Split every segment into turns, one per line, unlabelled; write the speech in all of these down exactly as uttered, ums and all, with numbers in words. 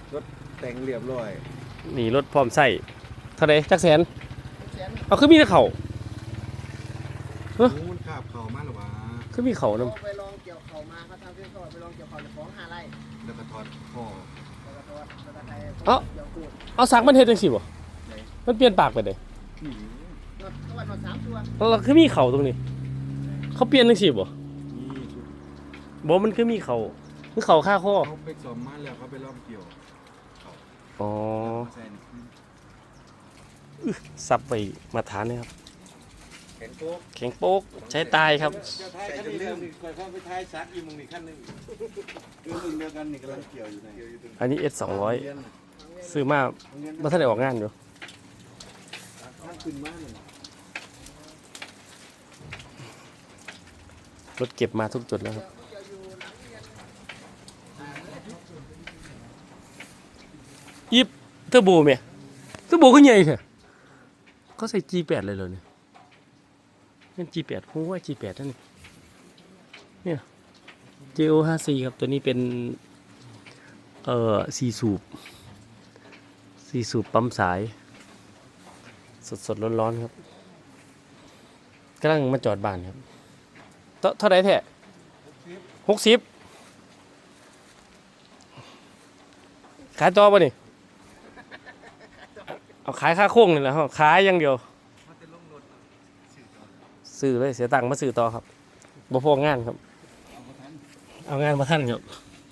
รถแต่งเรียบร้อย
นี่รถพร้อมใส่เท่าไหร่จักแสนเอาคือมีแต่เขา
เฮ้ยมันขาบเข่ามาหรอวะ
คือมีเขานำ
ไปลองเกี่ยวเข่ามาเขาทำเพื่อนเขาไปลองเกี่ยวเข่าจะฟ้องห้าไร่
แล้วก็ถอดข้อ
แล้วก็ถอดแล้วก็ไทย
เอ้าเอาสักมันเฮ็ดจังซี่บ่มันเปลี่ยนปากไปได้
นอดตะวันนอดสามตัว
แล้วคือมีเขาตรงนี้เขาเปลี่ยนจังซี่บ่บ่มันคือมีเขาคือเขาค่าข้อ
เขาไปสอบมาแล้วเขาไปลองเกี่ยว
อ๋อซับไปมาทานนี่ครับ
แข็งโป๊ก
แข็งโป๊กใช้ตายครับ
ใส่จนลืมคอยเข้าไปท้ายซักอีมึงนี่ขั้นนึงคือมึงเดียวกันนี่กำลังเกี่ยวอยู่
อันนี้ เอส สองร้อยซื้อมาบ่ทันได้ออกงานอยู่รถเก็บมาทุกจุดแล้วครับยิบเทอร์โบไหมเทอร์โบก็ใหญ่เถอะเขาใส่ จี แปด เลยเลยเนี่ยเป็น จี แปด ผมว่า จี แปด นั่นนี่เนี่ย เจ โอ ห้าสิบสี่ ครับตัวนี้เป็นเอ่อสี่สูบสี่สูบปั๊มสายสดสดร้อนร้อนครับกำลังมาจอดบ้านครับเท่าไหร่แท้หกสิบขายต่อป่ะนี่เอาขายค่าโค้งนี่แหละครับขายอย่างเดียวซื้อเลยเสียตังค์มาซื้อต่อครับบ่พองานครับเอางานมาท่านครับ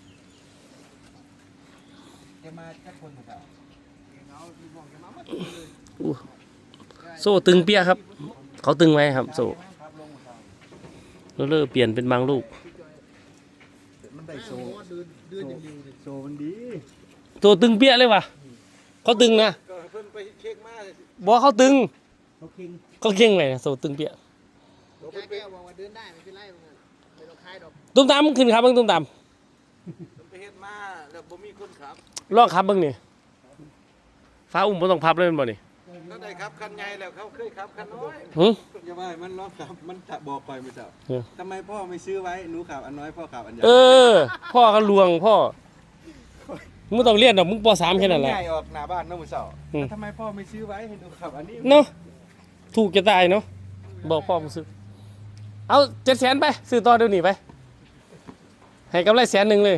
โซ่ตึงเปี้ยครับเขาตึงไว้ครับโซ่แล้วเลิกเปลี่ยนเป็นบางลูก
มันได้โซ่โซ่มันดี
โซ่ตึงเปี้ยเลยว่ะเขาตึงนะ
เพิ่นไปเช็คมา
บอกเขาตึง
เขาเก่ง
เขาเก่งเลยโซ่ตึงเปี้ย
แก้วบอกว่าเดินได้ไม่เป็นไรมึงไม่ต้องคลายดอก
ตุ้มตามขึ้นครับเบิ่งตุ้มตาม
ไปเฮ็ดมาแล้วบ่มีคนขับ
ลองขับเบิ่งนี่ฟ้าอุ้มบ่ต้องพับเลยมันบ่นี่
ก็ได้ครับคันใหญ่แล้วเขาเคยขับคันน้อย
หึ
อย่าว่ามันลองขับมันบอกไปมื้อเช้าทำไมพ่อไม่ซื้อไว้หนูขับอันน้อยพ่อขับอันใหญ่
เออพ่อก็ลวงพ่อมึงต้องเรียนดอกมึงป สาม แค่นั้นแหละ
ใหญ่ออกหน้าบ้านเนาะมื้อเช้าทำไมพ่อไม่ซื้อไว้ให้หนูขับอันนี้
เนาะถูกจะตายเนาะบอกพ่อมึงซื้อเอาเจ็ดแสนไปซื้อต่อเดี๋ยวนี้ไปให้กำไรแสนหนึ่งเลย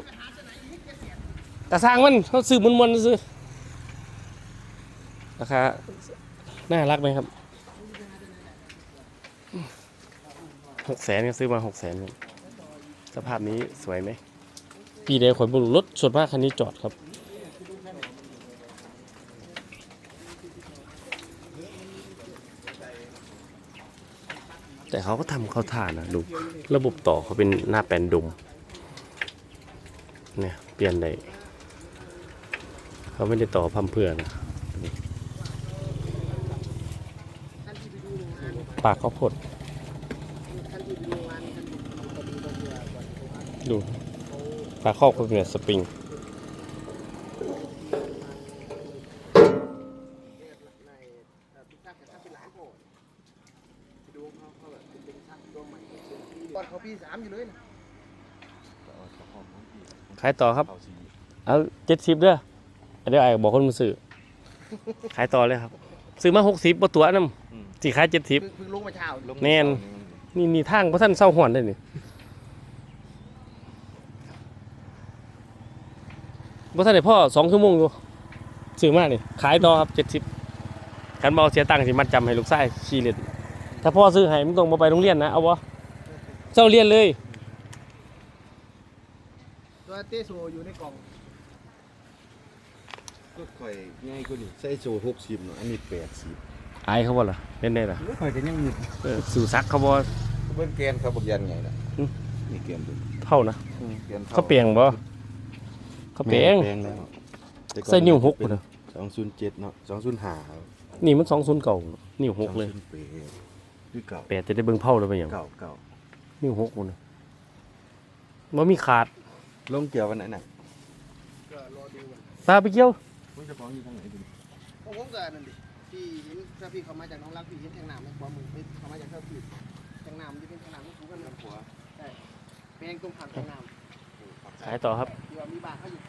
แต่สร้างมันเขาซื้อมวนๆซื้อราคาน่ารักไหมครับหกแสนก็ซื้อมาหกแสนสภาพนี้สวยไหมปีเดียวขนบุรุษรถส่วนมากคันนี้จอดครับแต่เขาก็ทำเข้าท่านะดูระบบต่อเขาเป็นหน้าแปลนดุมเนี่ยเปลี่ยนได้เขาไม่ได้ต่อพัมเพื่อนะปากเขาพดดูปากครอบเขาเป็นสปริงขายต่อครับเอาเจ็ดสิบเด้อเดี๋ยวไอ้บอกคนมาซื้อขายต่อเลยครับซื้อมาหกสิบบ่ตัวน้ำสี่ขายเจ็ดสิบ
เพิ่งลงมาเช้า
แน่นนี่นี่ทางเพราะท่านเศร้าหอนได้นี่เพราะท่านได้พ่อสองชั่วโมงอยู่ซื้อมานี่ขายต่อครับเจ็ดสิบกันบอเสียตังค์สิมัดจำให้ลูกชายขี่เล่นถ้าพ่อซื้อให้มึงต้องมาไปโรงเรียนนะเอาวะเจ้าเรียนเลย
ตัวเตโซอยู่ในกล่อง
ก็ค่อยง่ายกว่านี้ใส่โซ่หกสิบเนาะอันนี้แปดสิบ
อายเขาบ่ล่ะเล่นได้ล่ะ
ค่อยก็ยังมี
สู่ซักเขาบ่
เบิ่งแกนเขาบ่ยันไงล่ะนี่แกน
เท่านะ
แกน
เขาเปลี่ยนบ่เขาเปลี่ยน
แล้ว
ใส่นิ้วหกพุ่นน่ะ
สองศูนย์เจ็ดเนาะสองศูนย์ห้า
นี่มันสองศูนย์เก่านิ้วหกเลย
คือเก่า
แปดจะได้เบิ่งเผาเลยไปหยัง
เก่าเก่า
นิ้วหกพุ่นน่ะบ่มีขาด
ลงเกี่ยววันไหนน่ะ
ก็รอดู
ตาไปเกี่ยว
คุณจะฟ้องอยู่ทางไหนดิ
ผมก็นั่นดิพี่เห็นถ้าพี่เขามาจากน้องรักพี่เห็นแทงน้ำในความมือเขามาจากเท่าพี่แทงน้ำที่เป็นแทงน้ำที่ถูกกันหัวใช่เป็นตรงผ่านแทงน้ำ
ขายต่อครับ
เดี๋ยวมีบาทเขาอยู่